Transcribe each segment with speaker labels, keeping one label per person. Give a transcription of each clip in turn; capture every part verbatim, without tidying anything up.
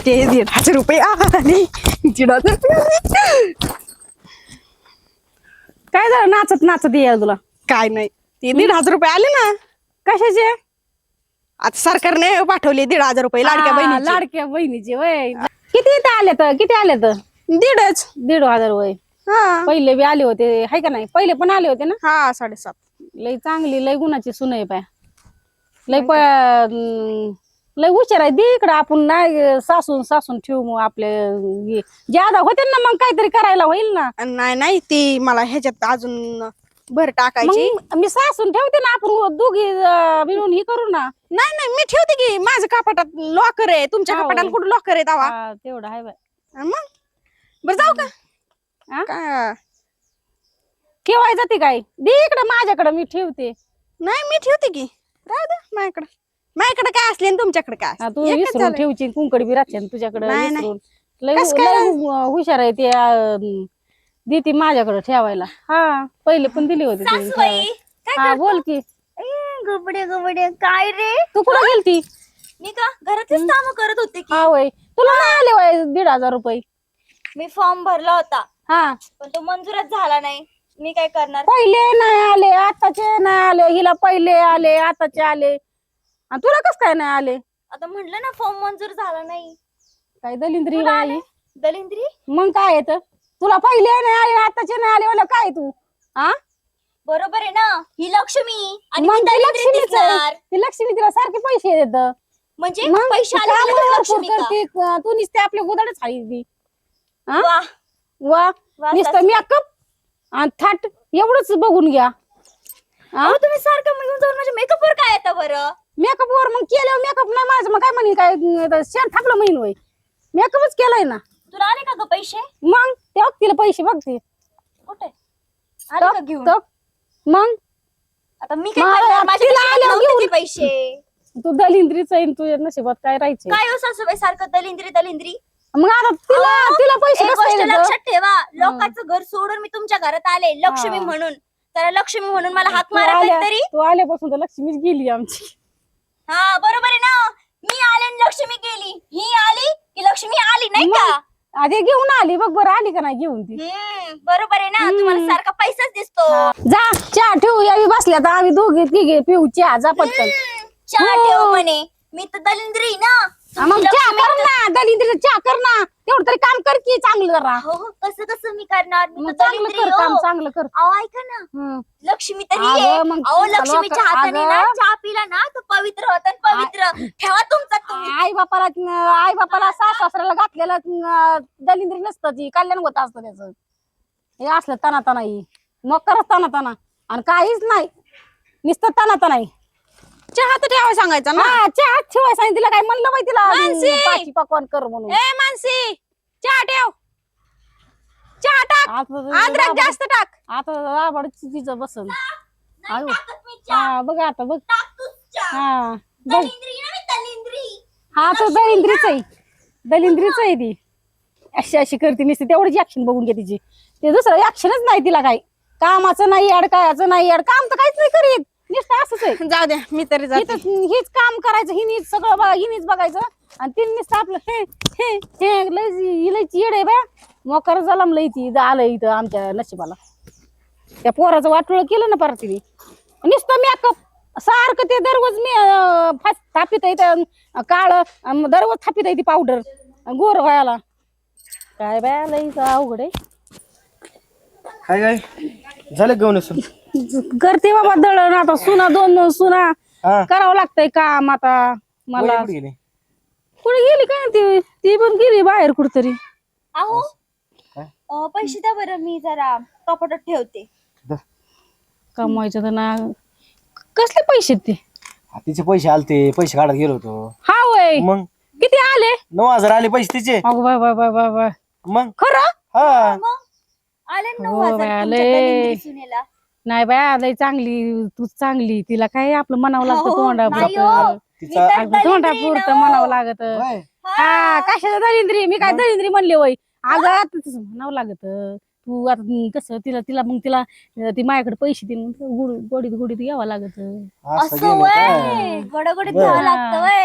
Speaker 1: ते दीड हजार रुपये आले. दीड हजार रुपये आले.
Speaker 2: काय झालं नाचत नाचत ये तुला?
Speaker 1: काय नाही ते दीड हजार रुपये आले ना.
Speaker 2: कशाचे?
Speaker 1: आता सरकारने पाठवले दीड हजार रुपये लाडक्या
Speaker 2: हा,
Speaker 1: बहिणीचे.
Speaker 2: लाडक्या बहिणीचे वय किती इथं आले तर किती आले तर
Speaker 1: दीडच.
Speaker 2: दीड हजार वय.
Speaker 1: हा
Speaker 2: पहिले बी आले होते हाय का नाही? पहिले पण आले होते ना.
Speaker 1: हा साडेसात.
Speaker 2: लय चांगली लय गुणाची सुन आहे पाय. लय प अं, लय हुशार आहे. दे इकडं आपण नाही सासून सासून ठेवू मग आपले हे. ज्यादा होते ना मग काहीतरी करायला होईल ना.
Speaker 1: नाही नाही ती मला ह्याच्यात अजून भर टाकायची.
Speaker 2: मग मी सासून ठेवते ना आपण दोघी अं, मिळून हे करू ना.
Speaker 1: नाही नाही मी ठेवते की माझ्या कपाटात लॉकर आहे. तुमच्या
Speaker 2: हा,
Speaker 1: कपाटाला
Speaker 2: होय.
Speaker 1: कुठं लॉकर आहे दावा?
Speaker 2: हा, तेवढं आहे बाय.
Speaker 1: मग बरं जाऊ का?
Speaker 2: हा?
Speaker 1: का
Speaker 2: ठेवाय जाते काय? दे इकडं माझ्याकडे मी ठेवते.
Speaker 1: नाही मी ठेवते की. राहू दे माझ्याकडे. माझ्याकडे काय असले आणि तुमच्याकडे काय
Speaker 2: हा,
Speaker 1: असले?
Speaker 2: तू
Speaker 1: एकच
Speaker 2: विसरून
Speaker 1: झालं.
Speaker 2: ठेवची कुंकडी बी राहते तुझ्याकडे
Speaker 1: नाही, नाही.
Speaker 2: विसरून. लय
Speaker 1: कसं काय
Speaker 2: लय हुशार आहे ते अं, देते माझ्याकडे ठेवायला. हा पहिले पण दिली होती तिने
Speaker 3: सासूबाई
Speaker 2: ठेवायला. हा बोल की
Speaker 3: गबडे गबडे काय रे?
Speaker 2: तू कुठं गेलती?
Speaker 3: मी का घरातलीच काम करत होते की.
Speaker 2: हा वय तुला नाही आले वय दीड हजार रुपये?
Speaker 3: मी फॉर्म भरला होता
Speaker 2: हा
Speaker 3: पण तो मंजूरच झाला नाही. मी काय करणार?
Speaker 2: पहिले नाही आले आताचे नाही आले. हिला पहिले आले आताचे आले आणि तुला कस काय नाही आले?
Speaker 3: आता म्हटलं ना फॉर्म मंजूर झाला नाही.
Speaker 2: काय दलिंद्री
Speaker 3: तुला
Speaker 2: बाई.
Speaker 3: आले? दलिंद्री
Speaker 2: मग काय येत तुला पहिले नाही आले आताचे नाही आले मला काय तू हा?
Speaker 3: बरोबर आहे ना. ही लक्ष्मी आणि
Speaker 2: मग
Speaker 3: मी
Speaker 2: ती
Speaker 3: दलिंद्री
Speaker 2: लक्ष्मीच आहे.
Speaker 3: दिसणार.
Speaker 2: ती लक्ष्मी तिला सारखे पैसे देत
Speaker 3: म्हणजे
Speaker 2: मग
Speaker 3: पैसे
Speaker 2: ती
Speaker 3: आले की
Speaker 2: कामं
Speaker 3: लगेच
Speaker 2: भरपूर
Speaker 3: लक्ष्मी का?
Speaker 2: करते. तू नुसते आपल्या गुदाडच खाली ती हा?
Speaker 3: वा
Speaker 2: वा
Speaker 3: वा,
Speaker 2: नुसतं
Speaker 3: सासूबाई.
Speaker 2: मेकअप आणि थाट एवढंच बघून घ्या.
Speaker 3: अहो, तुम्ही सारखं येऊन जाऊन माझ्या मेकअप वर काय येतं बरं?
Speaker 2: मेकअप वर मग केल्यावर मेकअप नाही माझं मग काय म्हणे काय शेण थापलं महिन होय. मेकअपच केलाय ना.
Speaker 3: तुला आले का ग पैसे?
Speaker 2: मग ते तिला पैसे बघते
Speaker 3: कुठे आले का घेऊन?
Speaker 2: मग
Speaker 3: आता मी काय
Speaker 2: मला
Speaker 3: करणार? माझ्या
Speaker 2: तिला
Speaker 3: खिशात
Speaker 2: आल्यावर
Speaker 3: नव्हते
Speaker 2: घेऊन.
Speaker 3: ते पैसे.
Speaker 2: तू दलिंद्रीच आहे तुझ्या नशिबात काय राहायचे.
Speaker 3: काय हो सासूबाई सारखं दलिंद्री दलिंद्री?
Speaker 2: मग आता तिला
Speaker 3: अहो,
Speaker 2: तिला पैसे
Speaker 3: एक
Speaker 2: कसं
Speaker 3: गोष्ट
Speaker 2: देतं?
Speaker 3: लक्षात ठेवा. लोकांचं घर सोडून मी तुमच्या घरात आले लक्ष्मी
Speaker 2: हा.
Speaker 3: म्हणून. तर लक्ष्मी म्हणून मला हाक
Speaker 2: तू
Speaker 3: मारा
Speaker 2: आल्या-
Speaker 3: तरी.
Speaker 2: तू आल्यापासून तर लक्ष्मीच गेली आमची.
Speaker 3: हा बरोबर आहे ना. मी आले आणि लक्ष्मी गेली. ही आली की लक्ष्मी आली नाही का?
Speaker 2: आधी घेऊन आली बघ बरं आली का नाही घेऊन ती.
Speaker 3: हम्म बरोबर आहे ना.
Speaker 2: हम्म.
Speaker 3: तुम्हाला सारखा पैसाच दिसतो.
Speaker 2: जा चहा ठेवू यावी बसल्या तर आम्ही दोघे तिघे पिऊ चहा जा पटकन.
Speaker 3: हम्म, चहा
Speaker 2: हो.
Speaker 3: ठेव म्हणे. मी तर दलिंद्री ना.
Speaker 2: हा, मग
Speaker 3: तुमची
Speaker 2: चहा
Speaker 3: लक्ष्मी
Speaker 2: कर ना दलिंद्रीचं चहा कर ना तेवढं तरी काम कर की चांगलं जरा.
Speaker 3: हो कसं कसं मी करणार? मी
Speaker 2: मग
Speaker 3: तर
Speaker 2: चांगलं
Speaker 3: दलिंद्री
Speaker 2: कर काम
Speaker 3: हो.
Speaker 2: चांगलं कर.
Speaker 3: अहो ऐका ना.
Speaker 2: हम्म.
Speaker 3: लक्ष्मी तरी
Speaker 2: अगं,
Speaker 3: आहे.
Speaker 2: मग
Speaker 3: अहो
Speaker 2: तुला
Speaker 3: लक्ष्मीच्या
Speaker 2: लोक-
Speaker 3: हाताने ना
Speaker 2: अगं.
Speaker 3: चहा पिला ना तर पवित्र होतं पवित्र. ठेवा तुमचा तुम्ही.
Speaker 2: आई बापाला आई बापाला सास सासऱ्याला घातलेलं अं, दलिंद्री नसतं ती कल्याण होत असतं त्याचं. हे असलं तना तना ही मग करत तना तना आणि काहीच नाही नुसतं तना तना ही.
Speaker 1: चहा तर ठेवायला सांगायचा ना.
Speaker 2: हा चहा ठेवाय सांगितलं तिला काय म्हणलं माहिती तिला
Speaker 1: मानसी!
Speaker 2: अं, पाची पकवान कर म्हणून.
Speaker 1: ए मानसी चहा ठेव. चहा टाक.
Speaker 2: आता
Speaker 1: अद्रक
Speaker 2: राबड-
Speaker 1: जास्त टाक.
Speaker 2: आता राबड तिचं बसन.
Speaker 3: नाही
Speaker 2: आयो.
Speaker 3: टाकत मी चहा.
Speaker 2: हा बघ आता बघ.
Speaker 3: टाक तूच चहा.
Speaker 2: हा बघ
Speaker 3: दलिंद्री ना मी दलिंद्री.
Speaker 2: हा तो दलिंद्रीच आहे दलिंद्रीच आहे ती. अशी अशी करते नुसती तेवढीच ऍक्शन बघून घे तिची. ते दुसरं ऍक्शनच नाही तिला काही कामाचं नाही अडकायचं नाही अड काम तर काहीच नाही करीत नुसतं असंच आहे.
Speaker 1: जाऊ द्या मी तरी जाते.
Speaker 2: हिचं- हीच काम करायचं हिनीच सगळं बघा हिनीच बघायचं आणि तिने नुसतं आपलं हे हे हे लय हिलायची येड आहे बा मोकर जलम लय ती आलं इथं आमच्या नशिबाला. त्या पोराचं वाटोळ केलं ना परत तिने नुसतं मेकअप सारखं ते दररोज मी अं, फास थापित आहे काळ दररोज थापित आहे ती पावडर गोर व्हायला. काय बाय लय अवघड आहे.
Speaker 4: काय काय झालं घेऊन असं
Speaker 2: करते बाबा दळण आता सुना दोन दोन सुना
Speaker 4: हा
Speaker 2: करावं लागतंय काम आता मला.
Speaker 4: वही कुठे गेली?
Speaker 2: कुठे गेली काय ती ती पण गेली बाहेर कुठतरी.
Speaker 3: अहो
Speaker 4: काय?
Speaker 3: अं, पैसे द्या बरं मी जरा कपाटात ठेवते.
Speaker 4: द-
Speaker 2: कमवायचं तर ना कसले पैसे ते.
Speaker 4: हा, तिचे पैसे आलते पैसे काढत गेलो होतो.
Speaker 2: हा वय
Speaker 4: मग
Speaker 2: किती आले?
Speaker 4: नऊ हजार आले पैसे तिचे.
Speaker 2: अगो bye bye bye bye bye
Speaker 4: मग
Speaker 2: खरं
Speaker 4: हा
Speaker 3: मग आले ना नऊ
Speaker 2: हो
Speaker 3: हजार
Speaker 2: बाई,
Speaker 3: तुमच्या
Speaker 2: आले.
Speaker 3: दलिंद्री सुनेला.
Speaker 2: नाही बाय लय चांगली तू चांगली तिला काय आपलं म्हणावं लागतं
Speaker 3: हो,
Speaker 2: तोंडा
Speaker 3: नाही
Speaker 2: पुरतं.
Speaker 3: हो.
Speaker 4: तिचा
Speaker 3: मी तर
Speaker 2: तोंडा
Speaker 3: दलिंद्री
Speaker 2: पुरतं
Speaker 3: ना.
Speaker 2: म्हणावं लागत.
Speaker 4: होय.
Speaker 2: हा कशाला दलिंद्री मी काय दलिंद्री म्हणले वय अगं आता तसं म्हणावं लागत. तू आता कसं तिला तिला मग तिला ती माझ्याकडे पैसे देऊन मग तिला गुड गोडीत गोडीत यावं लागत.
Speaker 4: असं
Speaker 3: असं
Speaker 4: गेलं
Speaker 3: वय
Speaker 4: काय?
Speaker 3: गडगडीत
Speaker 4: बरं.
Speaker 3: घ्यावं लागतं वय.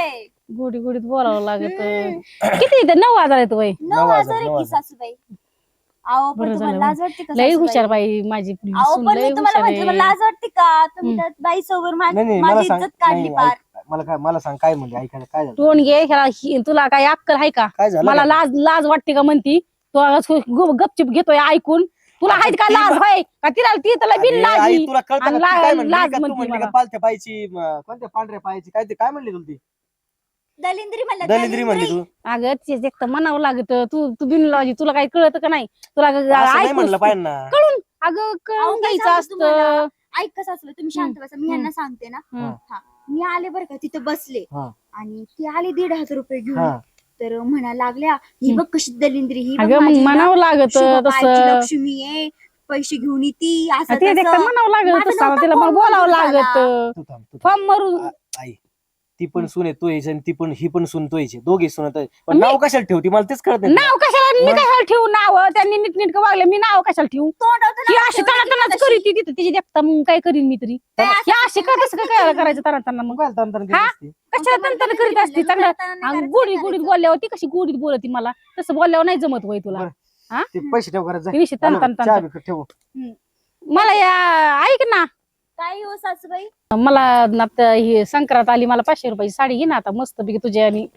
Speaker 2: गोडी गोडीत बोलावं लागत किती इथे नऊ हजार येतो बाई
Speaker 3: नऊ
Speaker 4: नऊ हजार,
Speaker 3: हजार आहे
Speaker 4: नऊ
Speaker 3: की
Speaker 4: हजार.
Speaker 3: सासूबाई. अहो पण
Speaker 2: बरं
Speaker 3: तुम्हाला
Speaker 2: झालं.
Speaker 3: लाज वाटते का
Speaker 2: लई
Speaker 3: सासूबाई?
Speaker 2: हुशार बाई माझी
Speaker 3: अहो
Speaker 2: सून
Speaker 3: पण
Speaker 2: लई
Speaker 3: मी तुम्हाला
Speaker 2: हुशार
Speaker 3: म्हटलं मला
Speaker 2: आहे.
Speaker 3: लाज वाटते का तुम्ही
Speaker 2: हम्म.
Speaker 3: त्या बाई समोर
Speaker 4: नाही नाही मला
Speaker 3: माझी
Speaker 4: सांग
Speaker 3: इज्जत काढली
Speaker 4: नाही,
Speaker 3: पार.
Speaker 4: ऐक, मला काय मला सांग काय म्हणले ऐकायला काय झालं
Speaker 2: तोंड घे ह्याला हि- तुला काय अक्कल आहे का
Speaker 4: काय झालं
Speaker 2: मला
Speaker 4: काय?
Speaker 2: लाज लाज वाटते का म्हणती तू असं गु- गपचिप घेतोय ऐकून तुला
Speaker 4: आता
Speaker 2: आहेत का
Speaker 4: ती
Speaker 2: लाज
Speaker 4: बा-
Speaker 2: होय का तिला ती त्याला बिन
Speaker 4: अरे,
Speaker 2: लाजी
Speaker 4: आई तुला कळतं
Speaker 2: आणि
Speaker 4: का? ती
Speaker 2: ला-
Speaker 4: काय म्हणली
Speaker 2: लाज
Speaker 4: का? तू
Speaker 2: म्हणते
Speaker 4: म्हणली का
Speaker 2: मला.
Speaker 4: पालथ्या पायची म, कोणत्या पांढऱ्या पायची काय ते काय म्हणली तुला ती
Speaker 3: दलिंद्री म्हणलं
Speaker 4: दलिंद्री म्हणली तू
Speaker 2: अगं तेच एक तर म्हणावं लागत तू तू बिन लाजी तुला काही कळत का नाही तुला ग-
Speaker 4: असं नाही
Speaker 2: ऐकून-
Speaker 4: म्हणलं पाहिजे ना
Speaker 2: कळून अगं
Speaker 3: अहो,
Speaker 2: कळून
Speaker 3: काय
Speaker 2: घ्यायचं
Speaker 3: सांगू तुम्हाला?
Speaker 2: असतं
Speaker 3: ऐक कसं असलं तुम्ही शांत बसा मी यांना सांगते ना.
Speaker 2: हम्म.
Speaker 3: हा मी आले बरं का तिथं बसले
Speaker 4: हा.
Speaker 3: आणि ती आली दीड हजार रुपये घेऊन
Speaker 4: हा.
Speaker 3: तर म्हणा लागल्या ही बघ कशी दलिंद्री ही बघ
Speaker 2: अगं मग
Speaker 3: माझी ना
Speaker 2: म्हणावं लागत
Speaker 3: शुभपायची
Speaker 2: तसं
Speaker 3: लक्ष्मी आहे पैसे घेऊन येती असं
Speaker 2: ते एक तर
Speaker 3: तसं.
Speaker 2: म्हणावं लागत
Speaker 3: माझं
Speaker 2: तसं
Speaker 3: नव्हतं
Speaker 2: तिला मग
Speaker 3: फोन
Speaker 2: बोलावं
Speaker 3: करून झाला.
Speaker 2: लागत
Speaker 4: तू थांब तू थांब.
Speaker 2: फॉर्म मारून
Speaker 4: आ- आई ती पण सुने तो यायची आणि ती पण ही पण सुन तो यायची दोघे सुनत पण
Speaker 2: मी-
Speaker 4: नाव कशाला ठेवती मला तेच कळत नाही
Speaker 2: नाव कशाला मी
Speaker 4: मग?
Speaker 2: कशाला ठेवू नाव त्यांनी नीट नीट वागले मी नाव कशाला ठेवू
Speaker 3: तोंडावर तर
Speaker 2: ही
Speaker 3: नाव
Speaker 2: अशी
Speaker 3: ठेवलं
Speaker 2: तना
Speaker 3: की
Speaker 2: तनाच
Speaker 3: तशी.
Speaker 2: करी ती तिथे तिची देखता मग काय करीन मी तरी
Speaker 3: काय
Speaker 2: ही
Speaker 3: असं
Speaker 2: अशी का तसं काय करायचं तना तना मग
Speaker 4: काय तंत्र ते
Speaker 2: हा?
Speaker 4: नसते.
Speaker 2: कशाला
Speaker 3: मग
Speaker 2: तन
Speaker 3: तुम्हाला
Speaker 2: करीत असते
Speaker 3: म्हणलं,
Speaker 2: चांगलं
Speaker 3: तन-तन नाही
Speaker 2: आणि
Speaker 3: करायचं,
Speaker 2: गोडी
Speaker 3: काय
Speaker 2: गोडीत
Speaker 3: करायचं?
Speaker 2: बोलल्यावर ती कशी गोडीत बोलती मला तसं बोलल्यावर नाही जमत वय तुला
Speaker 4: बरं.
Speaker 2: हा?
Speaker 4: ते पैसे ठेव घरात जा.
Speaker 2: ती निश्चित तन
Speaker 4: हॅलो,
Speaker 2: तन तन
Speaker 4: चहा
Speaker 2: तन.
Speaker 4: बी ठेव
Speaker 2: मला या ऐक ना
Speaker 3: काय हो सासूबाई
Speaker 2: मला ना आता ही संक्रांत आली मला पाचशे रुपयाची साडी घे ना आता मस्त पैकी तुझ्या आणि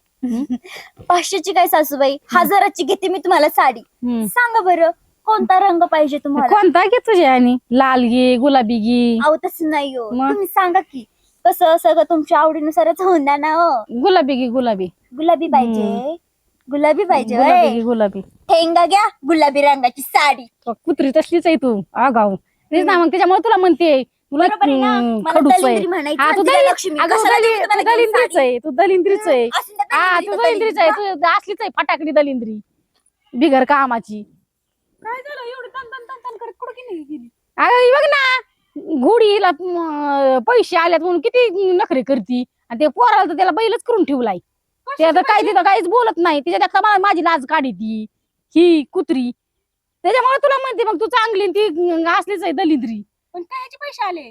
Speaker 3: पाचशेची काय सासूबाई हजाराची घेते मी तुम्हाला साडी
Speaker 2: हम्म.
Speaker 3: सांगा बरं कोणता रंग पाहिजे तुम्हाला
Speaker 2: कोणता घे तुझ्या आणि लाल घे गुलाबी घे
Speaker 3: अहो तसं नाही हो
Speaker 2: मग?
Speaker 3: तुम्ही सांगा की कसं सगळं तुमच्या आवडीनुसारच होऊन द्या ना हो
Speaker 2: गुलाबी घे गुलाबी
Speaker 3: गुलाबी पाहिजे गुलाबी पाहिजे
Speaker 2: गुलाबी
Speaker 3: होय.
Speaker 2: घे गुलाबी
Speaker 3: ठेंगा घ्या गुलाबी रंगाची साडी
Speaker 2: तो कुत्री तसलीच आहे तू आगाव तेच ना मग त्याच्यामुळे तुला म्हणते तुला
Speaker 3: बरोबर आहे ना?
Speaker 2: हम्म,
Speaker 3: मला
Speaker 2: खडूस आहे
Speaker 3: दलिंद्री म्हणायची
Speaker 2: हा, तू
Speaker 3: आणि तिला
Speaker 2: दलिंद्री-
Speaker 3: लक्ष्मी.
Speaker 2: अगं,
Speaker 3: कशाला
Speaker 2: दलि-
Speaker 3: देऊ तुम्हाला
Speaker 2: तू दलिंद्रीच
Speaker 3: साडी?
Speaker 2: आहे तू दलिंद्रीच आहे
Speaker 3: असेल तर
Speaker 2: हा
Speaker 3: दलिंद्री
Speaker 2: तू
Speaker 3: तर
Speaker 2: दलिंद्रीच आहे
Speaker 3: दलिंद्री.
Speaker 2: तू असलीच आहे फटाकडी दलिंद्री बिगर कामाची काय झालं एवढी तन तन तन तन करत कुठं गेली अगं ही बघ ना घोडीला म, पैसे आल्यात म्हणून किती नखरे करती आणि ते पोराला तर त्याला बैलच करून ठेवलाय ते आता काय तिथं काहीच बोलत नाही तिच्या देखता मला माझी लाज काढी ती ही कुत्री त्याच्यामुळे तुला म्हणते मग तू चांगली आणि ती असलीच आहे दलिंद्री
Speaker 1: पण कायचे पैसे आले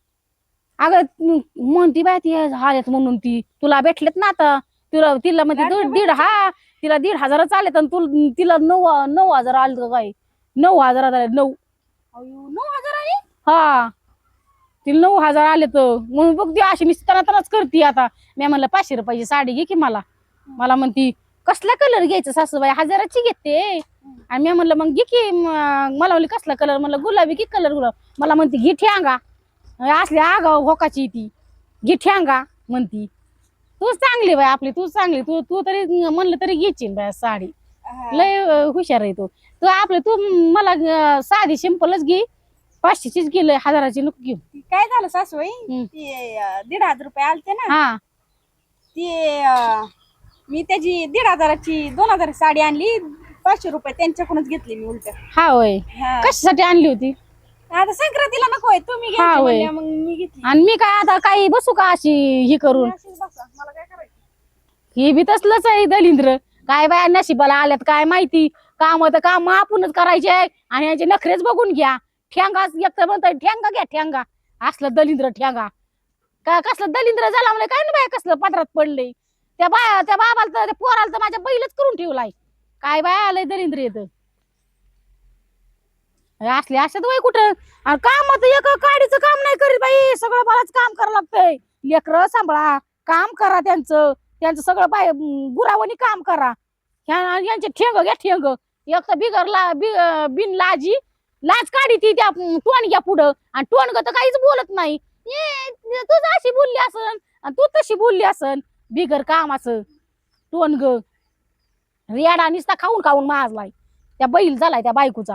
Speaker 2: अगं तू म्हणती बाय ती आल्यात म्हणून ती तुला भेटलेत ना आता तुला तिला म्हणते
Speaker 1: लाडक्या
Speaker 2: दीड दीड हा तिला दीड हजारच आलेत आणि तू तिला नऊ नऊ हजार आले का काय नऊ हजार आले नऊ
Speaker 1: अयो, नऊ हजार आले
Speaker 2: हा तिला नऊ हजार आले तर म्हणून बघ ती अशी निस्ताना तनाच करते आता मी म्हणलं पाचशे रुपयाची साडी घे की मला मला म्हणती कसला कलर घ्यायचा सासूबाई हजाराची घेते आणि मी म्हणलं मग घे की म- मला म्हणली कसला कलर म्हणलं गुलाबी की कलर गुलाब मला म्हणती घे ठ्यांगा असली आगाव होकाची ती घे ठ्यांगा म्हणती तूच चांगली बाय आपली तूच चांगली तू तू तरी म्हणलं तरी घ्यायची बाय साडी लय अं, हुशार आहे तू तू आपलं तू मला अं, साधी सिंपलच घे पाचशेचीच गेलं हजाराची नको घेऊ
Speaker 1: ती काय झालं सासूबाई
Speaker 2: हम्म.
Speaker 1: ते अं, दीड हजार रुपये आलते ना
Speaker 2: हा
Speaker 1: ते अं, मी त्याची दीड हजाराची दोन हजाराची साडी आणली पाचशे रुपये त्यांच्याकडूनच घेतली मी उलट
Speaker 2: हा होय कशासाठी आणली होती
Speaker 1: आता संक्रांतीला नको आहे तुम्ही
Speaker 2: हा,
Speaker 1: घ्यायची
Speaker 2: होय.
Speaker 1: म्हणल्या, मग मी घेतली
Speaker 2: आणि मी काय आता काही बसू का अशी ही करून
Speaker 1: अशीच बसा, मला काय करायचं
Speaker 2: ही बी तसलंच आहे दलिंद्र काय बाया नशिबाला आल्यात काय माहिती काम तर काम आपणच करायचे आहे आणि याचे नखरेच बघून घ्या ठ्यांगा एक तर म्हणतात ठ्यांगा घ्या ठ्यांगा असलं दलिंद्र ठ्यांगा का कसलं दलिंद्र झाला म्हणजे काय ना बाय कसलं पदरात पडले त्या बाया त्या बाबाला तर त्या पोराला तर माझ्या बैलच करून ठेवलाय काय बाय आलंय दलिंद्र येत असले असतात वय कुठं आणि काम तर एक काडीचं काम नाही करीत बाई सगळं मलाच काम करावं लागतंय लेकरं सांभाळा काम करा त्यांचं त्यांचं सगळं बाय गुरावणी काम करा ह्या- यांचे ठेंग घ्या ठेंग एक तर बिगर ला बि- अं, बिन लाजी लाज काढी ती त्या टोन घ्या पुढं आणि टोनग तर काहीच बोलत नाही ये, तू अशी बोलली असन आणि तू तशी बोलली असन बिगर काम असं टोनग रेडा निसता खाऊन खाऊन माजलाय त्या बैल झालाय त्या बायकोचा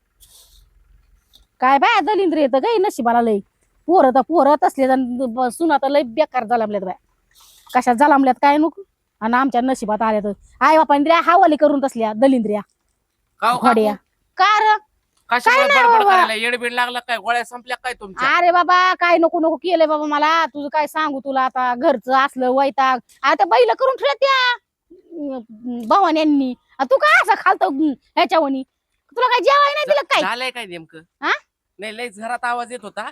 Speaker 2: काय बाय दलिंद्र येतं काही नशिबाला लय पोरं तर पोरं असले सुना तर लय बेकार झालामल्यात बाय कशात झालामल्यात काय नको आणि आमच्या नशिबात आल्या तर आई बापा हावाली करून तसल्या दलिंद्र्या
Speaker 5: काव
Speaker 2: घोड्या कार
Speaker 5: कशामुळे
Speaker 2: काय नाही
Speaker 5: बडबड
Speaker 2: बाबा.
Speaker 5: करायला येडबीड लागला काय गोळ्या संपल्या काय तुमच्या
Speaker 2: अरे बाबा काय नको नको केलंय बाबा मला तुझं काय सांगू तुला आता घरचं असलं वैताग आता बैल करून ठेवल्या त्या भवान्यांनी आणि तू काय असं खालतो ह्याच्यावणी तुला काय जेवाय नाही दिलं काय
Speaker 5: झालंय काय नेमकं
Speaker 2: हा?
Speaker 5: नाही लय घरात आवाज येत होता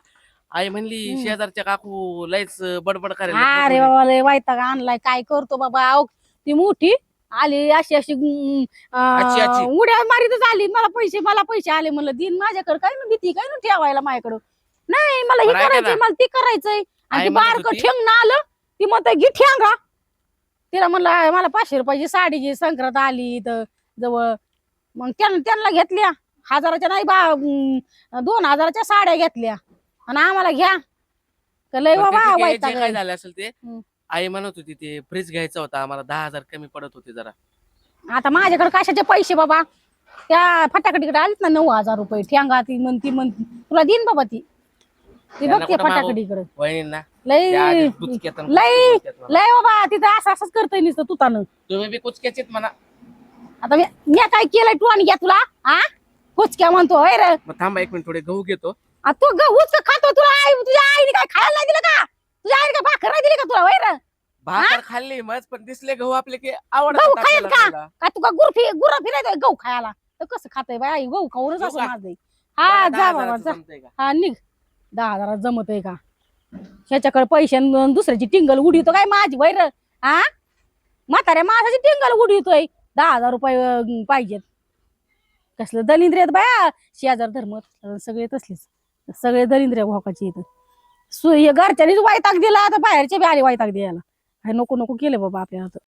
Speaker 5: आई म्हणली
Speaker 2: हम्म.
Speaker 5: शेजारच्या काकू लयच बडबड
Speaker 2: अरे
Speaker 5: करायला
Speaker 2: बाबा लय वैताग आणलाय काय करतो बाबा अहो, ती मोठी आली अशी अशी अं,
Speaker 5: आची, आची.
Speaker 2: उड्या मारीतच आली मला पैसे मला पैसे आले म्हणलं दिन माझ्याकडे काय ना भीती काय ना ठेवायला माझ्याकडं नाही मला हे
Speaker 5: बरं, ऐका
Speaker 2: करायचंय
Speaker 5: ना.
Speaker 2: मला ते करायचंय आणि
Speaker 5: आई
Speaker 2: ती
Speaker 5: म्हणत
Speaker 2: बारक
Speaker 5: होती-
Speaker 2: ठेंग ना आलं ती म्हणत घे ठेंगा तिला म्हणलं मला पाचशे रुपयाची साडी घे संक्रांत आली इथं जवळ मग त्यांना त्यांना घेतल्या हजाराच्या नाही बा अं, दोन हजाराच्या साड्या घेतल्या आणि आम्हाला घ्या का लय
Speaker 5: बरं,
Speaker 2: बाबा
Speaker 5: ते- ते काय-
Speaker 2: वैताग
Speaker 5: जे काय झालं असेल ते
Speaker 2: हम्म.
Speaker 5: आई म्हणत होती ते फ्रीज घ्यायचा होता आम्हाला दहा हजार कमी पडत होते जरा
Speaker 2: आता माझ्याकडे कशाचे पैसे बाबा त्या फटाकडीकडे आलीत ना नऊ हजार रुपये ठेंगा ती म्हणती म्हणती तुला देईन बाबा ती ती
Speaker 5: त्यांना
Speaker 2: बघते
Speaker 5: कुठं मागू?
Speaker 2: फटाकडीकडे
Speaker 5: वहिनींना
Speaker 2: लय
Speaker 5: त्या आधीच बुचक्यात आणि
Speaker 2: लय
Speaker 5: बुचक्यात मला.
Speaker 2: लय बाबा तिथं असं असंच करतय नुसतं तुतानं
Speaker 5: तुम्ही बी कुचक्याचीत म्हणा
Speaker 2: आता मी मी काय केलंय तू आणि घ्या तुला हा कुचक्या म्हणतो होय रे
Speaker 5: मग थांबा एक मिनिट थोडे गहू घेतो
Speaker 2: आ, तू गहूच खातो तुला आई तुझ्या आईने काय खायला नाही दिलं का तुझ्या आईने काय भाकर नाही दिली का तुला होय रे
Speaker 5: भाकर खाल्ली मग पण दिसले गहू आपले की
Speaker 2: गहू
Speaker 5: आवडतात
Speaker 2: खायला
Speaker 5: आपल्याला
Speaker 2: का
Speaker 5: खायला.
Speaker 2: का तुका गुरफी गुरा फिरायचं गहू खायला तर कसं खातय बाई आई गहू खाऊनच
Speaker 5: गहू
Speaker 2: असं
Speaker 5: खा.
Speaker 2: माझं हा
Speaker 5: दहा
Speaker 2: जा
Speaker 5: हजाराचं
Speaker 2: बाबा जा
Speaker 5: जमतंय का?
Speaker 2: हा निघ दहा हजारात जमत आहे का ह्याच्याकडे पैसे आणि दुसऱ्याची टिंगल उडीतो काय माझी वैर हा म्हाताऱ्या माणसाची टिंगल उडीतोय दहा हजार रुपये अं, पाहिजेत कसलं दलिंद्र आहेत बाया शेजार धर्म सगळे तसलेच सगळे दलिंद्र भोकाचे इथं सु हे घरच्यानीच वैताग दिला आता बाहेरचे बी आले वैताग द्यायला हे नको नको केलं बाबा आपल्याला